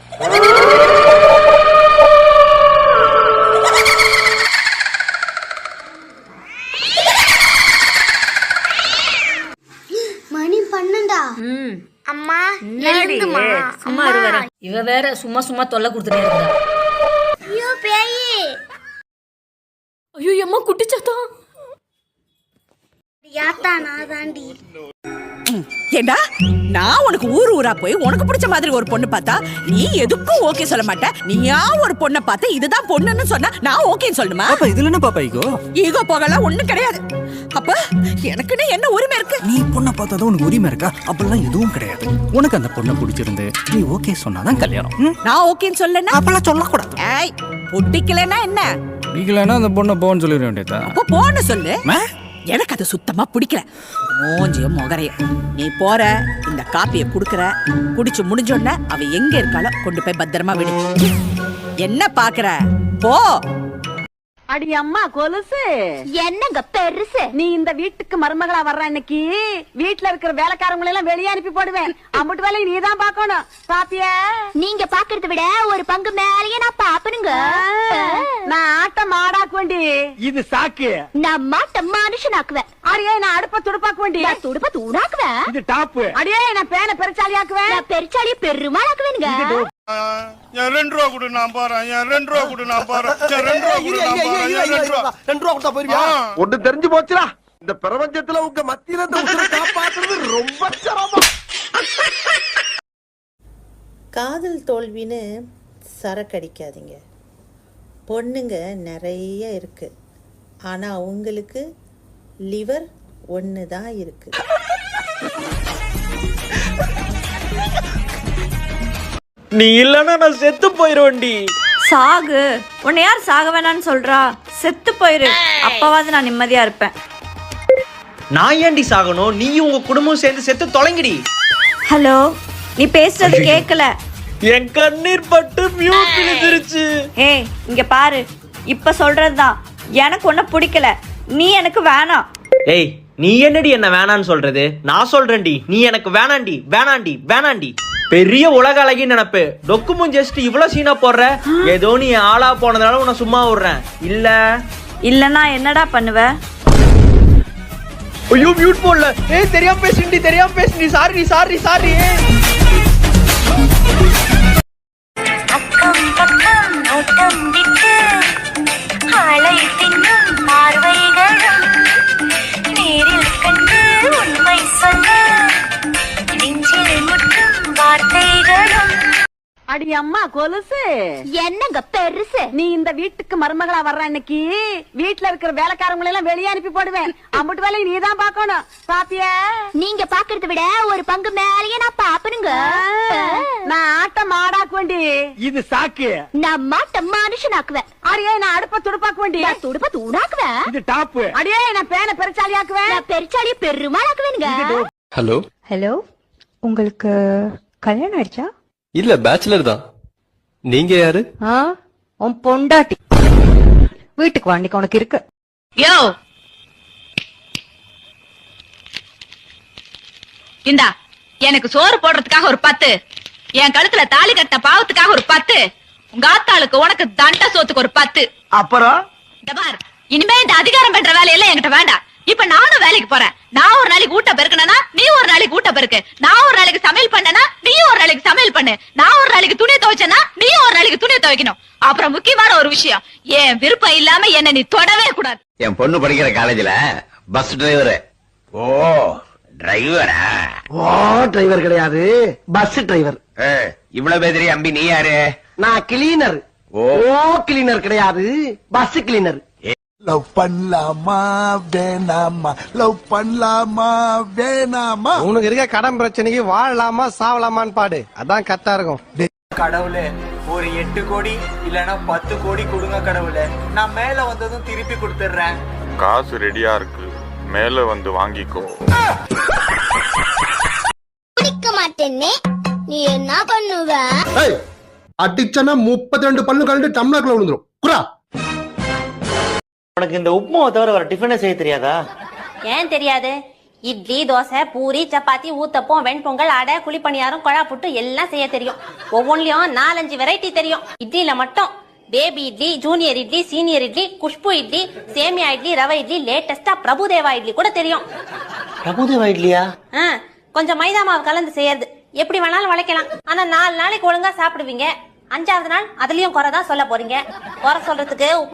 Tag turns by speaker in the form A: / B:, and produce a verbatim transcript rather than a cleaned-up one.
A: மணி பன்னெண்டா? அம்மா எழுந்துமா.
B: சும்மா இருவர. இவ வேற சும்மா சும்மா தொல்லை கொடுத்துட்டே இருக்கா.
A: ஐயோ பேயி.
B: ஐயோ அம்மா குட்டிச்சாத்தா.
A: யாத்தா நான் தாண்டி.
C: ஏண்டா நான் உனக்கு ஊர் ஊரா போய் உனக்கு பிடிச்ச மாதிரி ஒரு பொண்ணு பார்த்தா நீ எதுக்கும் ஓகே சொல்ல மாட்ட. நீயா ஒரு பொண்ணை பார்த்து இதுதான் பொண்ணுன்னு சொன்னா நான் ஓகேன்னு சொல்லணுமா?
D: பாப்பா இதுல என்ன பாப்பா ஈகோ?
C: ஈகோ போகலாம் ஒண்ணும் கிடையாது. அப்ப எனக்குன்னு என்ன உரிமை இருக்கு?
D: நீ பொண்ணை பார்த்தாதான் உனக்கு உரிமை இருக்கா? அப்பெல்லாம் எதுவும் கிடையாது. உனக்கு அந்த பொண்ணை பிடிச்சிருந்து நீ ஓகே சொன்னாதான் கல்யாணம்.
C: நான் ஓகேன்னு சொல்லனா
D: அப்பெல்லாம் சொல்லக்கூடாது.
C: ஏய் பிடிக்கலன்னா என்ன?
D: பிடிக்கலன்னா அந்த பொண்ணை போன்னு சொல்லிட வேண்டியதா?
C: அப்போ போன்னு சொல்லு. எனக்கு அது சுத்தமா பிடிக்கல. மோஞ்சியும் முகரைய நீ போற இந்த காப்பிய குடுக்கற, குடிச்சு முடிஞ்சோடனே அவ எங்க இருக்காளோ கொண்டு போய் பத்திரமா விடு. என்ன பாக்குற? போ.
E: அடி அம்மா கொலுசு
A: என்னங்க பெருசு?
E: நீ இந்த வீட்டுக்கு மருமகளா வர்ற இன்னைக்கு வீட்டுல இருக்கிற வேலைக்காரங்களை எல்லாம் வெளியே அனுப்பி போடுவேன். அம்புட்டு வேலையை நீ தான் பாக்கணும். பாப்பியா?
A: நீங்க பாக்குறத விட ஒரு பங்கு மேலேயே நான் பாப்பனுங்க.
E: நான் ஆட்ட மாடாக்க வேண்டி.
F: இது சாக்கு.
A: நான் மாட்ட மனுஷனாக்குவேன்.
E: அடியே நான் அடுப்ப துடுப்பாக்க வேண்டி.
A: நான் துடுப்ப தூணாக்குவேன்.
F: இது டாப்பு.
E: அடியே நான் பேனை பெருச்சாலி ஆக்குவேன்.
A: நான் பெருச்சாலிய பெருமாளாக்குவேனுங்க.
F: ரெண்டு ரூபா கொடு நான் போறேன். ரெண்டு ரூபா கொடு நான் போறேன். ரெண்டு ரூபா கொடு நான் போறேன். ரெண்டு ரூபா கொடுத்தா போயிருவியா? ஒண்ணு தெரிஞ்சு போச்சுடா. இந்த பிரபஞ்சத்துல உங்க மத்தியில இந்த உசுரை காப்பாத்துறது ரொம்ப சிரமம்.
G: காதல் தோல்வின்னு சரக்கடிக்காதீங்க. பொண்ணுங்க நிறைய இருக்கு. ஆனா உங்களுக்கு லிவர் ஒன்று தான் இருக்கு.
H: நீ இல்லன்னா நான் செத்து போயிருவேன்டி.
B: சாகு. உன்னை யார் சாக வேணான்னு சொல்றா? செத்து போயிரு. அப்பவாது நான் நிம்மதியா இருப்பேன்.
H: நான் ஏன்டி சாகணும்? நீயும் உங்க குடும்பம் சேர்ந்து செத்து தொலைங்கடி.
B: ஹலோ, நீ பேசுறது கேட்கல.
H: என் கண்ணீர் பட்டு மியூட் விழுந்துருச்சு.
B: ஏய் இங்க பாரு, இப்ப சொல்றதுதான். எனக்கு ஒன்ன பிடிக்கல, நீ எனக்கு வேணாம்.
H: ஏய் நீ என்னடி என்ன வேணான்னு சொல்றது? நான் சொல்றேன்டி, நீ எனக்கு வேணாண்டி வேணாண்டி வேணாண்டி. பெரிய உலக அழகி நினைப்பு. டொக்குமும் ஜஸ்ட் இவ்வளவு சீனா போடுற. ஏதோ நீ ஆளா போனதுனால உன்னை சும்மா விடுறேன். இல்ல
B: இல்லன்னா என்னடா பண்ணுவ?
H: ஐயோ மியூட் போடல. ஏய் தெரியாம பேசுடி, தெரியாம பேசுடி. Sorry sorry sorry.
A: அக்கம் பக்கம் ஓட்டம் விட்டு ஆளை தின்னும் பார்வைகளும் நேரில் கண்டு உண்மை சொல்ல நெஞ்சில் முட்டும் வார்த்தைகளும்.
E: அடி அம்மா கொலுசு
A: என்னங்க பெருசு?
E: நீ இந்த வீட்டுக்கு மருமகளா வர்ற இன்னைக்கு வீட்டுல இருக்கிற வேலைக்காரங்களை எல்லாம் வெளியே அனுப்பி போடுவேன். அம்புட்டு வேலையை நீ தான் பாக்கணும். பாப்பியா?
A: நீங்க பாக்குறத விட ஒரு பங்கு மேலேயே நான் பாப்பனுங்க.
E: நான் ஆட்ட மாடாக்க வேண்டி.
F: இது சாக்கு.
A: நான் மாட்ட மனுஷனாக்குவேன்.
E: அடியே நான் அடுப்ப துடுப்பாக்க வேண்டி.
A: நான் துடுப்ப தூணாக்குவேன்.
F: இது டாப்பு.
E: அடியே நான் பேனை பெருச்சாலி ஆக்குவேன்.
A: நான் பெருச்சாலிய பெருமாளாக்குவேனுங்க.
I: ஹலோ
J: ஹலோ, உங்களுக்கு கல்யாணம் ஆயிடுச்சா?
I: இல்ல பேச்சுலர் தான். நீங்க யாரு?
J: ஆ, உன் பொண்டாட்டி. வீட்டுக்கு வாண்டிக்கு உனக்கு இருக்கு.
K: யோ இந்தா எனக்கு சோறு போடுறதுக்காக ஒரு பத்து, என் கழுத்துல தாலி கட்ட பாவத்துக்காக ஒரு பத்து, உங்க ஆத்தாளுக்கு உனக்கு தண்ட சோத்துக்கு ஒரு பத்து.
F: அப்புறம்
K: இனிமே இந்த அதிகாரம் பண்ற வேலையெல்லாம் என்கிட்ட வேண்டாம். இப்ப நானும் வேலைக்கு போறேன். நான் ஒரு நாளைக்கு ஊட்ட பெருக்கனா, நீ ஒரு நாளைக்கு ஊட்ட பெருக்கு. நான் ஒரு நாளைக்கு சமையல் பண்ணனா, நீ ஒரு நாளைக்கு சமையல் பண்ணு. நான் ஒரு நாளைக்கு துணி துவைச்சனா, நீ ஒரு நாளைக்கு துணி துவைக்கணும். அப்புறம் முக்கியமான ஒரு விஷயம், என் விருப்பம் இல்லாம என்ன நீ தொடவே கூடாது.
L: என் பொண்ணு படிக்கிற காலேஜ்ல பஸ் டிரைவர். ஓ டிரைவரா?
F: ஓ டிரைவர் கிடையாது, பஸ் டிரைவர்.
L: இவ்வளவு பேர் அம்பி, நீ யாரு?
F: நான் கிளீனர். ஓ கிளீனர் கிடையாது, பஸ் கிளீனர்.
M: லவ் பண்ணலாமா வேணாமா, லவ் பண்ணலாமா வேணாமா?
F: உனக்கு இருக்க கடன் பிரச்சனைக்கு வாழலாமா சாவலாமான்னு பாடு, அதான் கரெக்டா இருக்கும்.
H: கடவுளே ஒரு எட்டு கோடி இல்லனா பத்து கோடி கொடுங்க கடவுளே. நான் மேல வந்ததும் திருப்பி கொடுத்துறேன்.
N: காசு ரெடியா இருக்கு, மேல வந்து வாங்கிக்கோ.
A: குடிக்க மாட்டேனே, நீ என்ன பண்ணுவ?
M: அடிச்சனா முப்பத்தி ரெண்டு பல்லு கலந்து டம்ளர்ல விழுந்துரும். குரா,
H: உனக்கு இந்த உப்புமாவை தவிர வேற டிஃபனே செய்ய தெரியாதா?
K: ஏன் தெரியாது? இட்லி தோசை பூரி சப்பாத்தி ஊத்தப்பம் வெண்பொங்கல் அடை குழிப்பணியாரம் கொழா புட்டு எல்லாம் செய்ய தெரியும். ஒவ்வொன்றிலும் நாலஞ்சு வெரைட்டி தெரியும். இட்லியில மட்டும் baby idli, junior idli, senior idli, Khushboo idli, சேமியா இட்லி, ரவை இட்லி, லேட்டஸ்டா பிரபுதேவா இட்லி கூட தெரியும்.
H: பிரபுதேவா இட்லியா?
K: கொஞ்சம் மைதா மாவு கலந்து செய்யறது, எப்படி வேணாலும் வளைக்கலாம். ஆனா நாலு நாளைக்கு ஒழுங்கா சாப்பிடுவீங்க, அஞ்சாவது நாள் அதுலயும் குறைதான் சொல்ல போறீங்க. குறை சொல்றதுக்கு